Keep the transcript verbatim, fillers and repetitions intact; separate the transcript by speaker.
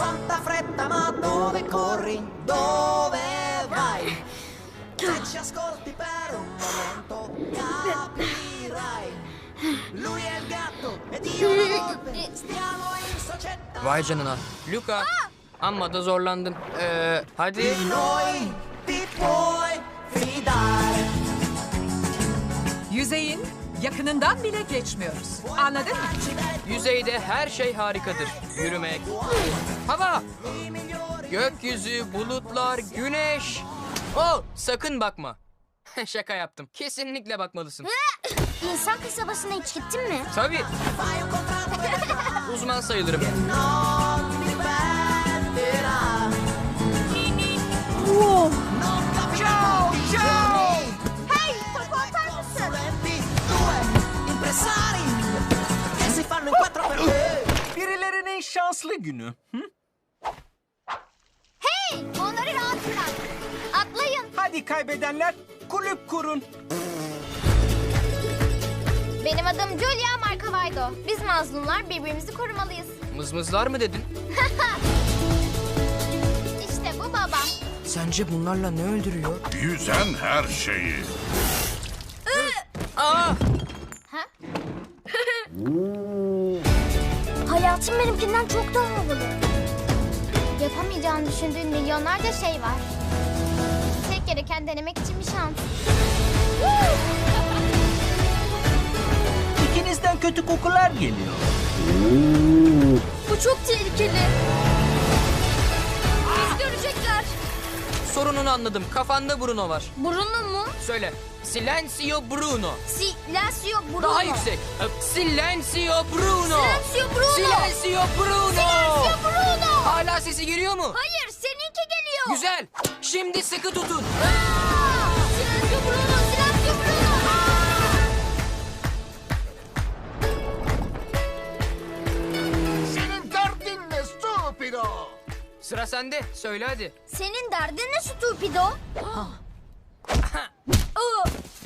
Speaker 1: Quanta fretta, ma dove corri? Dove vai? Se ci ascolti per un momento capirai. Lui è il gatto ed io la volpe. Stiamo in società.
Speaker 2: Vay canına. Luka. Amma da zorlandın. Ee, hadi.
Speaker 1: Di noi ti puoi fidare.
Speaker 3: Yüzeyin yakınından bile geçmiyoruz. Anladın mı?
Speaker 2: Yüzeyde her şey harikadır. Yürümek, hava, gökyüzü, bulutlar, güneş. Oh, sakın bakma. Şaka yaptım. Kesinlikle bakmalısın.
Speaker 4: İnsan kasabasına hiç gittin mi?
Speaker 2: Tabii. Uzman sayılırım.
Speaker 1: Non mi perderà.
Speaker 3: Wow.
Speaker 1: Non capirò i giorni.
Speaker 4: Hey, topu atar mısın?
Speaker 1: Consulenti, due impresari che si fanno in quattro per te.
Speaker 5: Birilerinin şanslı günü. Hı?
Speaker 4: Hey, onları rahat bırak. Atlayın.
Speaker 5: Hadi kaybedenler kulüp kurun.
Speaker 4: Benim adım Julia Marcavaydo. Biz mazlumlar birbirimizi korumalıyız.
Speaker 2: Mızmızlar mı dedin?
Speaker 4: İşte bu babam.
Speaker 2: Sence bunlarla ne öldürüyor?
Speaker 6: Yüzen her şeyi.
Speaker 2: Aa!
Speaker 4: Ha? Hayatım benimkinden çok daha havalı. Yapamayacağını düşündüğün milyonlarca şey var. Tek gereken denemek için bir şans.
Speaker 5: İkinizden kötü kokular geliyor.
Speaker 4: Bu çok tehlikeli. Biz görecekler.
Speaker 2: Sorununu anladım. Kafanda Bruno var.
Speaker 4: Bruno mu?
Speaker 2: Söyle. Silencio Bruno.
Speaker 4: Silencio Bruno.
Speaker 2: Daha yüksek. Silencio Bruno.
Speaker 4: Silencio Bruno.
Speaker 2: Silencio Bruno.
Speaker 4: Silencio Bruno.
Speaker 2: Hala sesi geliyor mu?
Speaker 4: Hayır, seninki geliyor.
Speaker 2: Güzel. Şimdi sıkı tutun.
Speaker 4: Aa! Silencio Bruno, Silencio Bruno.
Speaker 6: Senin derdin ne stupido?
Speaker 2: Sıra sende. Söyle hadi.
Speaker 4: Senin derdin ne stupido? Aa!